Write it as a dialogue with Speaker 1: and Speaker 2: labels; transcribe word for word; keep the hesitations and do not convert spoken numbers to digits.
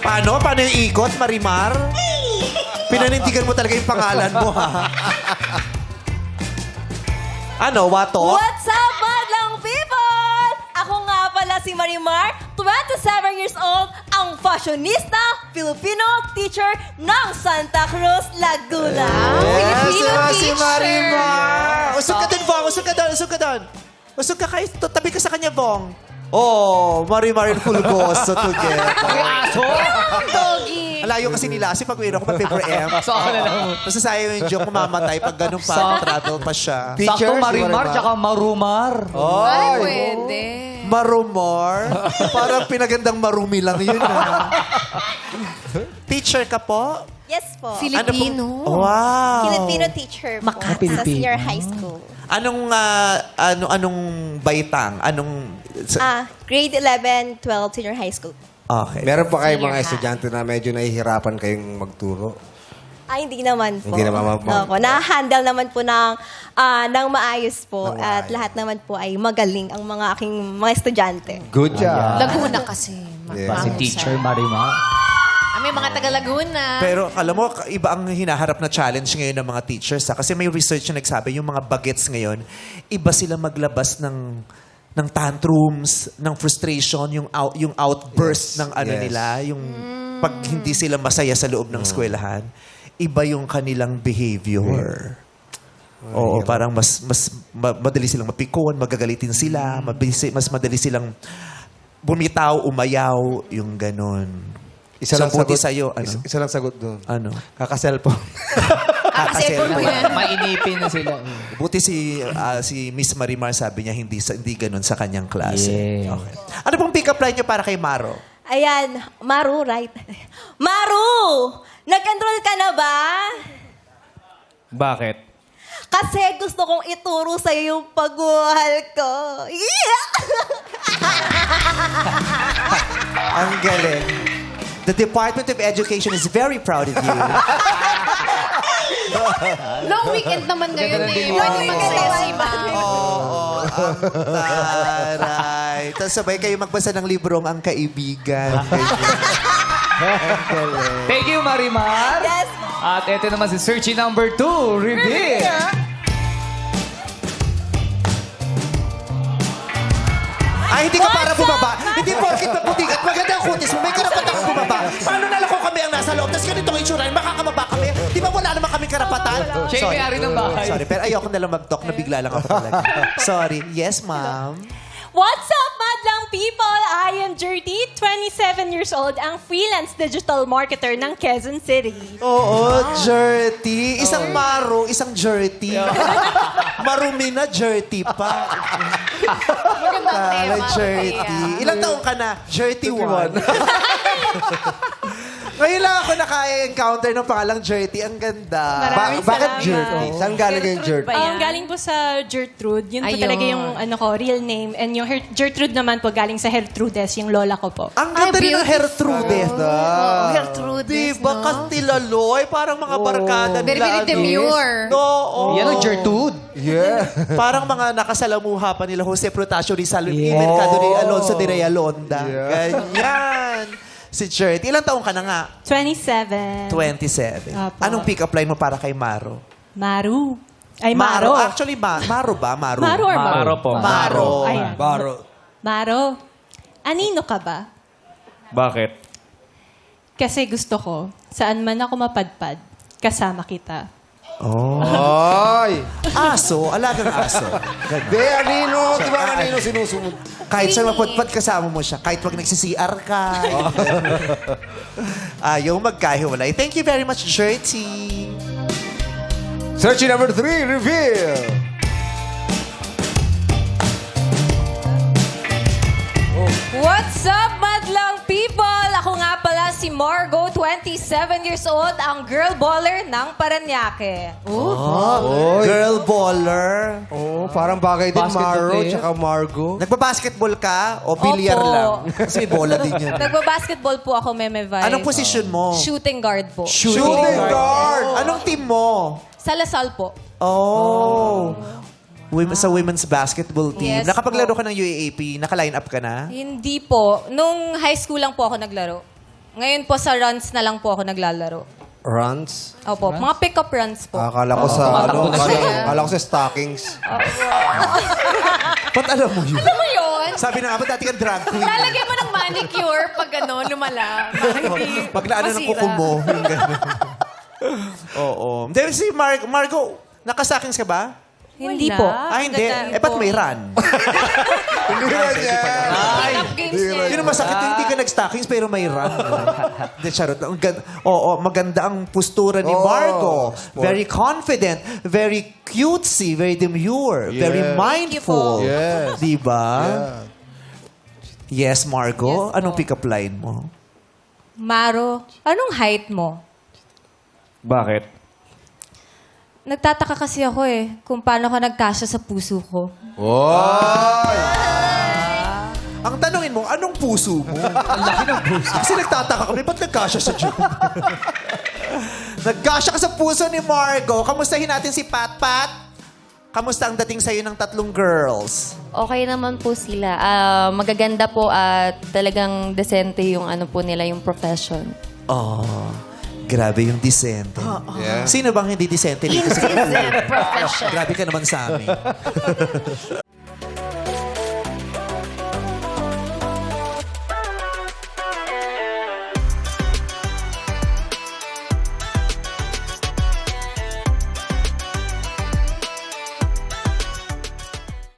Speaker 1: Paano? Paano yung ikot, Marimar? Pinanindigan mo talaga yung pangalan mo, ha? Ano, wato?
Speaker 2: What's up, madlang people? Ako nga pala si Marimar, twenty-seven years old, ang fashionista, Filipino teacher ng Santa Cruz, Laguna. Filipino
Speaker 1: si
Speaker 2: teacher.
Speaker 1: Marimar. Usog ka dun, Bong. Usog ka dun, usog ka dun. Usog ka kayo. Tabi ka sa kanya, Bong. Oh, Marimar and Fulgoso together.
Speaker 3: Aso!
Speaker 2: Doggy.
Speaker 1: Alayo kasi nila. Kasi pag uwi ako, pa-paper M.
Speaker 3: So, ako na lang.
Speaker 1: Tapos sayang yung joke, mamamatay. Pag ganun pa,
Speaker 3: Sa-
Speaker 1: travel pa siya.
Speaker 3: Sakto Marimar, tsaka Marumar.
Speaker 2: Ay, pwede.
Speaker 1: Marumar? Parang pinagandang marumi lang yun, ha? Teacher ka po?
Speaker 2: Yes po.
Speaker 1: Filipino. Wow.
Speaker 2: Filipino teacher po sa senior high school.
Speaker 1: Anong, ah, ano, anong baitang? Anong... sa-
Speaker 2: Ah, grade eleven, twelve, senior high school.
Speaker 1: okay.
Speaker 4: Meron pa kayong
Speaker 2: Senior
Speaker 4: mga
Speaker 2: high.
Speaker 4: estudyante na medyo nahihirapan kayong magturo?
Speaker 2: Ay, hindi naman po.
Speaker 4: Hindi naman po.
Speaker 2: Opo, na-handle naman po ng, ah, ng maayos po.
Speaker 4: Ng
Speaker 2: At
Speaker 4: maayos.
Speaker 2: lahat naman po ay magaling ang mga aking mga estudyante.
Speaker 4: Good job.
Speaker 5: Laguna kasi.
Speaker 4: Yeah.
Speaker 3: Si Teacher Marimar.
Speaker 5: Ah, may mga taga-Laguna.
Speaker 1: Pero alam mo, iba ang hinaharap na challenge ngayon ng mga teachers. Ha? Kasi may research na nagsabi, yung mga bagets ngayon, iba sila maglabas ng ng tantrums, ng frustration, yung out, yung outburst
Speaker 4: Yes,
Speaker 1: ng ano
Speaker 4: yes.
Speaker 1: nila, yung pag hindi sila masaya sa loob ng eskwelahan, iba yung kanilang behavior. Oo, parang mas mas ma- madali silang mapikon, magagalitin sila, mabilis, mas madali silang bumitaw, umayaw, yung ganon.
Speaker 4: Isa
Speaker 1: So,
Speaker 4: lang
Speaker 1: buti
Speaker 4: sagot.
Speaker 1: sa'yo, ano?
Speaker 4: Isa, isa lang sagot doon.
Speaker 1: Ano?
Speaker 4: Kaka-cellphone.
Speaker 5: Ah, kasi
Speaker 1: Kakasel-
Speaker 5: po yan.
Speaker 3: Mainipin na sila.
Speaker 1: Buti si ah, si Miss Marimar sabi niya hindi sa, hindi ganoon sa kanyang klase.
Speaker 3: Yeah.
Speaker 1: Okay. Ano pong pick-up line niyo para kay Maro?
Speaker 2: Ayan, Maru, right? Maru! Nag-enroll ka na ba?
Speaker 3: Bakit?
Speaker 2: Kasi gusto kong ituro sa'yo yung pagmahal ko. Yeah!
Speaker 1: Ang galing. The Department of Education is very proud of you.
Speaker 5: Long weekend naman ngayon
Speaker 3: Ganda ng
Speaker 5: eh.
Speaker 3: delivery.
Speaker 5: Pwede mag-saya si ma'am.
Speaker 1: Oo, ang taray. Tapos sabay kayo magbasa ng librong Ang Kaibigan. Ang galing.
Speaker 3: Thank you, Marimar.
Speaker 2: Yes.
Speaker 3: At ito naman si Searchy number two, reveal.
Speaker 1: Ay, hindi ka para
Speaker 2: What's
Speaker 1: bumaba.
Speaker 2: up,
Speaker 1: Hindi porkit maputi at maganda ang kutis mo. May karapatan kang bumaba. Paano na lang kung kami ang nasa loob? Tapos ganito ang itsura. Makakababa kami. Di ba wala naman kami karapatan?
Speaker 3: Siya yung may-ari ng bahay.
Speaker 1: Sorry, pero ayoko na lang mag-talk. Nabigla lang ako talaga. Sorry. Yes, ma'am.
Speaker 6: What's up, madlang people? I am Jerty, twenty-seven years old, ang freelance digital marketer ng Quezon City.
Speaker 1: Oo, dirty. Isang maro, isang dirty. Marumi na, dirty pa.
Speaker 5: Magandang tema.
Speaker 1: Tala, dirty. Ilang taong ka na? Dirty one. Ngayon lang ako naka-encounter ng pangalang Jerty. Ang ganda.
Speaker 6: Maraming
Speaker 4: bakit
Speaker 6: salamat.
Speaker 4: Jerty? Saan galing yung Jerty?
Speaker 6: Um, galing po sa Gertrude. Yun po
Speaker 5: Ayun.
Speaker 6: talaga yung ano ko, real name. And yung Her- Gertrude naman po galing sa Gertrudes, yung lola ko po.
Speaker 1: Ang ganda rin ng Gertrude.
Speaker 5: Oh, Gertrude.
Speaker 1: Diba?
Speaker 5: no?
Speaker 1: Kastilaloy. Parang mga barkada nila.
Speaker 5: Very, very
Speaker 1: ano.
Speaker 5: demure.
Speaker 1: No, oo.
Speaker 3: Yan ang Gertrude.
Speaker 4: Yeah.
Speaker 1: Parang mga nakasalamuha pa nila Jose Protasio Rizal, yeah. Mercado ni Alonso de Reyalonda. Ganyan. Si Jerty. Ilang taong ka na nga?
Speaker 6: twenty-seven.
Speaker 1: twenty-seven.
Speaker 6: Apo.
Speaker 1: Anong pick-up line mo para kay Maro?
Speaker 6: Maru. Ay, Maro.
Speaker 1: Actually, ma Maro ba? Maro.
Speaker 6: Maro or Maro?
Speaker 3: Maro po.
Speaker 1: Maro.
Speaker 6: Ayan.
Speaker 4: Baro.
Speaker 6: Maro. Anino ka ba?
Speaker 3: Bakit?
Speaker 6: Kasi gusto ko, saan man ako mapadpad, kasama kita.
Speaker 4: Ay!
Speaker 1: Aso. Alagang aso.
Speaker 4: De, anino. Di ba ang anino sinusunod?
Speaker 1: Kahit saan mapudpad, kasama mo siya. Kahit wag nagsi-C R ka. Ayaw magkahiwalay. Thank you very much, Jerty.
Speaker 4: Search number three, reveal.
Speaker 2: What's up, madlang people? Ako nga pala si Margo, twenty-seven years old, ang girl baller ng Paranaque.
Speaker 1: Oh, girl baller.
Speaker 4: Oh, parang bagay din
Speaker 3: Basketball
Speaker 4: Maro
Speaker 3: player?
Speaker 4: tsaka Margo.
Speaker 1: Nagbabasketball ka o bilyar
Speaker 2: Opo.
Speaker 1: lang? Kasi may bola din yun.
Speaker 2: Nagbabasketball po ako, Meme Vibe.
Speaker 1: Anong posisyon mo?
Speaker 2: Shooting guard po.
Speaker 4: Shooting guard.
Speaker 1: Anong team mo?
Speaker 2: Sa Lasal po.
Speaker 1: Oh. Women, sa women's basketball team.
Speaker 2: Yes
Speaker 1: Nakapaglaro
Speaker 2: po.
Speaker 1: ka ng U A A P. Naka-line up ka na?
Speaker 2: Hindi po. Nung high school lang po ako naglaro. Ngayon po sa runs na lang po ako naglalaro.
Speaker 4: Runs.
Speaker 2: Opo, mga pick-up runs po.
Speaker 4: Akala ko sa, ano, akala, akala ko sa stockings.
Speaker 1: Ba't alam mo yun?
Speaker 5: Ano mo yun?
Speaker 1: Sabi na nga ba, dati kang drag queen.
Speaker 5: Lalagay mo ng manicure pag ano, lumala. Para hindi
Speaker 1: Pag naano ng
Speaker 5: masira.
Speaker 1: kuko mo. Yung gano'n. Oo. Then si Mar Margo, nakasakings ka ba?
Speaker 2: Hindi po.
Speaker 1: Ah, hindi.
Speaker 2: Ganda
Speaker 1: Eh, ba't
Speaker 2: po.
Speaker 1: may run?
Speaker 4: Hindi rin yan.
Speaker 5: Pick-up games niya.
Speaker 1: Yun ang masakit. Hindi ka nag-stockings pero may run. Hindi, charot lang. Ang gan- Oo, maganda ang postura ni
Speaker 4: Oo,
Speaker 1: Margo.
Speaker 4: sport.
Speaker 1: Very confident. Very cutesy. Very demure. Very
Speaker 4: Yes.
Speaker 1: mindful.
Speaker 4: Yes.
Speaker 1: Diba?
Speaker 4: Yeah.
Speaker 1: Yes, Margo. Anong pick-up line mo?
Speaker 2: Maro, anong height mo?
Speaker 3: Bakit?
Speaker 2: Nagtataka kasi ako eh, kung paano ka nagkasya sa puso ko.
Speaker 4: Oy!
Speaker 1: Ang tanongin mo, anong puso mo? Ang laki ng puso. Kasi nagtataka kami, ba't nagkasya sa Diyon? Nagkasya ka sa puso ni Margo. Kamustahin natin si Pat Pat? Kamusta ang dating sa'yo ng tatlong girls?
Speaker 7: Okay naman po sila. Ah, magaganda po at talagang desente yung ano po nila, yung profession.
Speaker 1: Oh, grabe yung disente.
Speaker 4: Yeah.
Speaker 1: Sino bang hindi disente dito sa
Speaker 5: Indecent profession.
Speaker 1: Grabe ka naman sa amin.